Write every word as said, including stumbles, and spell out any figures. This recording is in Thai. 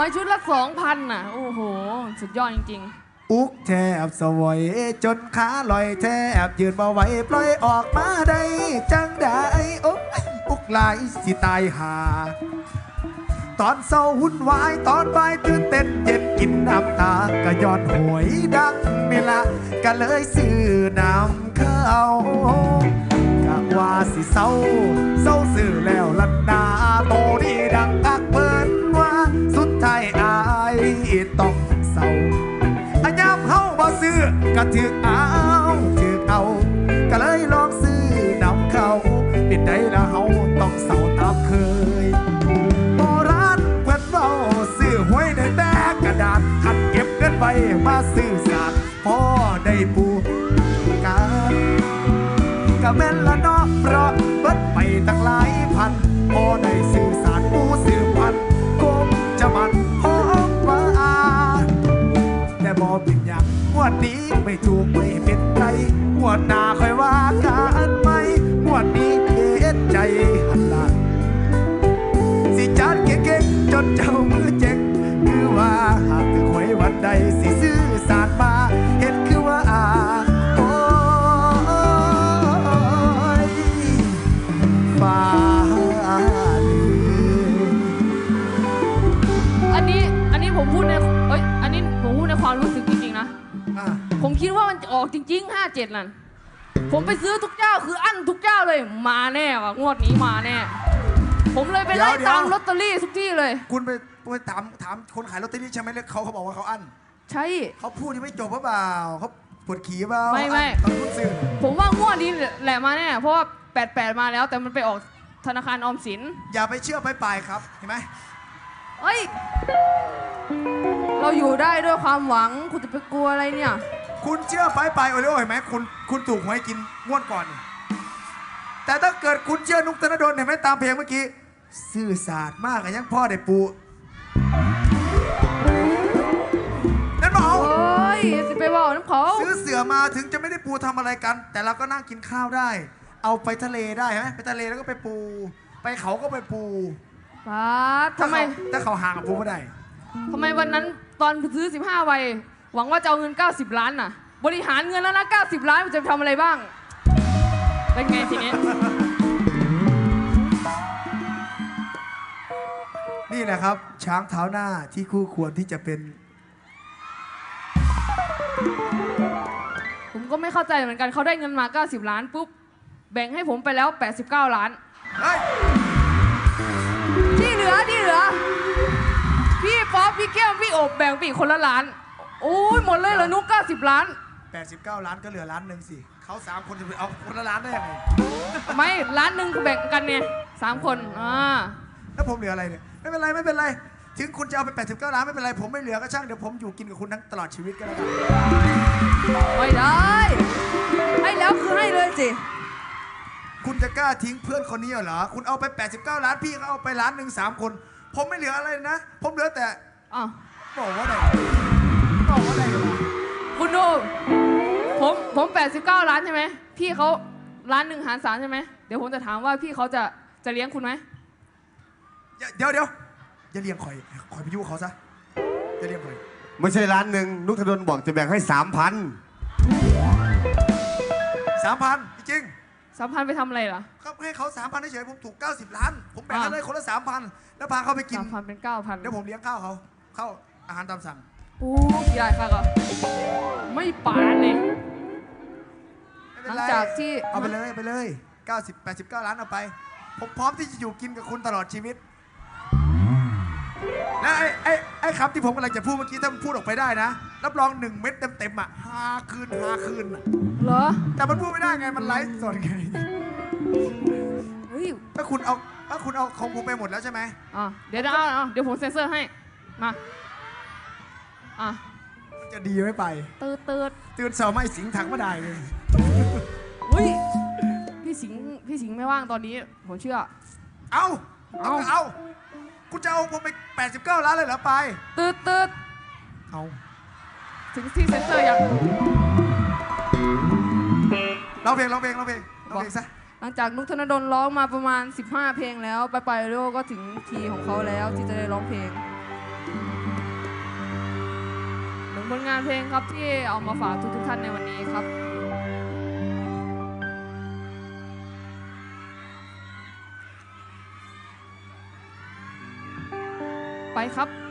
ไปชุดละสองพันน่ะโอ้โหสุดยอดจริงๆอุกแทบสวยจนขาลอยแทบยืนบ่ไหวปล่อยออกมาได้จังได้โอ้อุกลายสิตายหาตอนเศร้าหุ่นวายตอนบ่ายตื่นเต้นเย็นกินน้ำตาก็ย้อนหวยดังนี่ละก็เลยซื้อน้ำเข้ากะว่าสิเศร้าเศร้าซื้อแล้วลันนาโตนี่ดังอักเบิ้นว่าสุดท้ายอายต้องเศร้าอันยามเฮาบ่ซื้อก็ถึกเอาถึกเอาก็เลยลองซื้อน้ำเข้าเป็นได้ละเฮาต้องเศร้าตามเคยโบราณเพิ่นเว้าซื้อหวยได้แต่กระดาษหัดเก็บเงินไว้มาซื้อสารพอได้ปูกันก็แม่นละเนาะเพราะเบิดไปตั้งหลายพันพอได้ซื้อสารปูซื้อพันคงจะมันหอมหวานแต่บ่เป็นอย่างงวดนี้ไม่ถูกไม่เป็นไรงวดหน้าค่อยว่ากันไหมงวดนี้เฮ็ดใจหันหลังสิจัดเก่งๆจนเจ้ามือเจ๊งคือว่าหากถึงหวยวันใดสิซื้อสารมาเฮ็ดคือว่าอาโอ้ยฟ้าอันนี้อันนี้ผมพูดในเอ้ยอันนี้ผมพูดในความรู้สึกจริงๆนะผมคิดว่ามันจะออกจริงๆห้าเจ็ดนั่นผมไปซื้อทุกเจ้าคืออั้นทุกเจ้าเลยมาแน่ว่ะงวดนี้มาแน่ผมเลยไปไล่ตามลอตเตอรี่ทุกที่เลยคุณไปไปถามถามคนขายลอตเตอรี่ใช่ไหมเขาเขาบอกว่าเขาอั้นใช่เขาพูดที่ไม่จบหรือเปล่าเขาปวดขี้เปล่าไม่ไม่ผมว่างวดนี้แหละมาแน่เพราะว่าแปดแปดมาแล้วแต่มันไปออกธนาคารออมสินอย่าไปเชื่อไปปลายครับเห็นไหมเฮ้ยเราอยู่ได้ด้วยความหวังคุณจะไปกลัวอะไรเนี่ยคุณเชื่อไปปลายโอเลโอเห็นไหมคุณคุณถูกหวยกินงวดก่อนแต่ถ้าเกิดคุณเชื่อนุกธนดลเห็นไหมตามเพลงเมื่อกี้ซื่อศาสตร์มากอะยังพ่อได้ปูนั่นบอกโอ้ยสิไปบอกน้ำเขาซื้อเสือมาถึงจะไม่ได้ปูทำอะไรกันแต่เราก็นั่งกินข้าวได้เอาไปทะเลได้ไหมไปทะเลแล้วก็ไปปูไปเขาก็ไปปูป้าทำไมถ้าเขาห่างกับปูไม่ได้ทำไมวันนั้นตอนซื้อสิบห้าใบหวังว่าจะเอาเงินเก้าสิบล้านน่ะบริหารเงินแล้วนะเก้าสิบล้านมันจะทำอะไรบ้างเป็นไงทีนี้นี่แหละครับช้างเท้าหน้าที่คู่ควรที่จะเป็นผมก็ไม่เข้าใจเหมือนกันเขาได้เงินมาเก้าสิบล้านปุ๊บแบ่งให้ผมไปแล้วแปดสิบเก้าล้านที่เหลือที่เหลือพี่ป๊อปพี่แก้มพี่อบแบ่งปีคนละล้านโอ้ยหมดเลยเหรอนุ๊กเก้าสิบล้านแปดสิบเก้าล้านก็เหลือล้านหนึ่งสิเขาสามคนจะไปเอาคนละล้านได้ยังไงไม่ล้านหนึ่งแบ่งกันเนี่ยสามคนอ่าแล้วผมเหลืออะไรเนี่ยไม่เป็นไรไม่เป็นไรถึงคุณจะเอาไปแปดสิบเก้าล้านไม่เป็นไรผมไม่เหลือก็ช่างเดี๋ยวผมอยู่กินกับคุณทั้งตลอดชีวิตก็แล้วกันไม่ได้ให้แล้วคือให้เลยสิคุณจะกล้าทิ้งเพื่อนคนนี้เหรอคุณเอาไปแปดสิบเก้าล้านพี่เขาเอาไปล้านหนึ่งสามคนผมไม่เหลืออะไรนะผมเหลือแต่อ้าวบอกว่าไหนบอกว่าไหนคุณดูผมผมแปดสิบเก้าล้านใช่ไหมพี่เขาล้านหนึ่งหารสามใช่ไหมเดี๋ยวผมจะถามว่าพี่เขาจะจะเลี้ยงคุณไหมเดี๋ยวเดี๋ยวอย่าเลี้ยงข่อยข่อยไปยุ่งเขาซะอย่าเลี้ยงข่อยไม่ใช่ล้านหนึ่งนุกธนดลบอกจะแบ่งให้สามพันสามพันจริงสามพันไปทำอะไรล่ะครับให้เขาสามพันเฉยผมถูกเก้าสิบล้านผมแบ่งให้เลยคนละสามพันแล้วพาเขาไปกินสามพันเป็นเก้าพันเดี๋ยวผมเลี้ยงข้าวเขาข้าวอาหารตามสั่งโอ้ยใหญ่ค่ะก็ไม่ปานเลยหลังจากที่เอาไปเลยไปเลยเก้าสิบ แปดสิบเก้าล้านเอาไปผมพร้อมที่จะอยู่กินกับคุณตลอดชีวิตและไอ้ไอ้ไอ้คำที่ผมกำลังจะพูดเมื่อกี้ถ้ามันพูดออกไปได้นะรับรองหนึ่งเม็ดเต็มๆอ่ะห้าคืนห้าคืนเหรอแต่มันพูดไม่ได้ไงมันไลฟ์สดไงถ้าคุณเอาถ้าคุณเอาของผมไปหมดแล้วใช่ไหมอ่ะเดี๋ยวเอาเดี๋ยวผมเซ็นเซอร์ให้มาอ่ะมันจะดีไม่ไปตืดตืดตื่นเสาร์ไม่สิงถังไม่ได้เลยอุ้ยพี่สิงพี่สิงไม่ว่างตอนนี้ผมเชื่อเอาเอาเอาคุณจะเอาผมไปแปดสิบเก้าล้านเลยเหรอไปตืดตืดเอาถึงที่เซ็นเซอร์ยังร้องเพลงร้องเพลงร้องเพลงร้องเพลงซะหลังจากนุกธนดลร้องมาประมาณสิบห้าเพลงแล้วไปไปโลก็ถึงทีของเขาแล้วที่จะได้ร้องเพลงผลงานเพลงครับที่เอามาฝากทุกๆท่านในวันนี้ครับไปครับ